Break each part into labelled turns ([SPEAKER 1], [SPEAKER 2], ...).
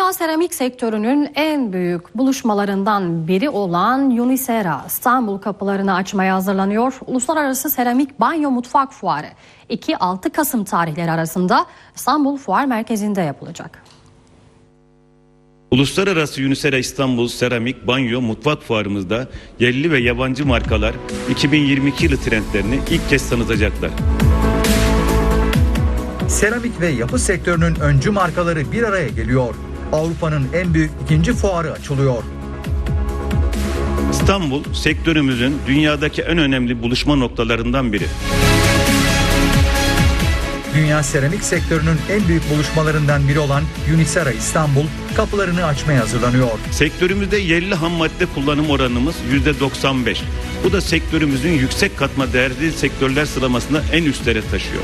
[SPEAKER 1] Dünya seramik sektörünün en büyük buluşmalarından biri olan Unisera İstanbul kapılarını açmaya hazırlanıyor. Uluslararası Seramik Banyo Mutfak Fuarı 2-6 Kasım tarihleri arasında İstanbul Fuar Merkezi'nde yapılacak.
[SPEAKER 2] Uluslararası Unisera İstanbul Seramik Banyo Mutfak Fuarımızda yerli ve yabancı markalar 2022 yılı trendlerini ilk kez tanıtacaklar.
[SPEAKER 3] Seramik ve yapı sektörünün öncü markaları bir araya geliyor. Avrupa'nın en büyük ikinci fuarı açılıyor.
[SPEAKER 2] İstanbul, sektörümüzün dünyadaki en önemli buluşma noktalarından biri.
[SPEAKER 3] Dünya seramik sektörünün en büyük buluşmalarından biri olan Unisera İstanbul kapılarını açmaya hazırlanıyor.
[SPEAKER 2] Sektörümüzde yerli ham madde kullanım oranımız %95. Bu da sektörümüzün yüksek katma değerli sektörler sıralamasında en üstlere taşıyor.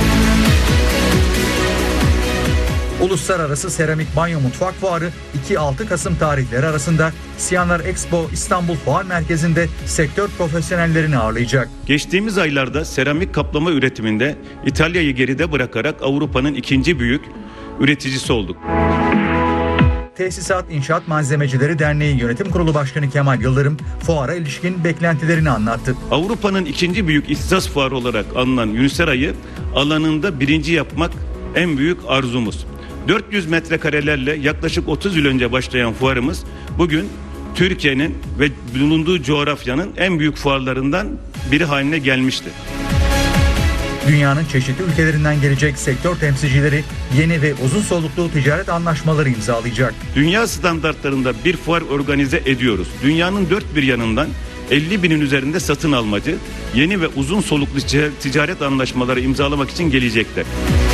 [SPEAKER 3] Uluslararası Seramik Banyo Mutfak Fuarı 2-6 Kasım tarihleri arasında Siyanlar Expo İstanbul Fuar Merkezi'nde sektör profesyonellerini ağırlayacak.
[SPEAKER 2] Geçtiğimiz aylarda seramik kaplama üretiminde İtalya'yı geride bırakarak Avrupa'nın ikinci büyük üreticisi olduk.
[SPEAKER 3] Tesisat İnşaat Malzemecileri Derneği Yönetim Kurulu Başkanı Kemal Yıldırım fuara ilişkin beklentilerini anlattı.
[SPEAKER 2] Avrupa'nın ikinci büyük ihtisas fuarı olarak anılan Unisera'yı alanında birinci yapmak en büyük arzumuz. 400 metrekarelerle yaklaşık 30 yıl önce başlayan fuarımız bugün Türkiye'nin ve bulunduğu coğrafyanın en büyük fuarlarından biri haline gelmişti.
[SPEAKER 3] Dünyanın çeşitli ülkelerinden gelecek sektör temsilcileri yeni ve uzun soluklu ticaret anlaşmaları imzalayacak.
[SPEAKER 2] Dünya standartlarında bir fuar organize ediyoruz. Dünyanın dört bir yanından 50 binin üzerinde satın almacı yeni ve uzun soluklu ticaret anlaşmaları imzalamak için gelecekler.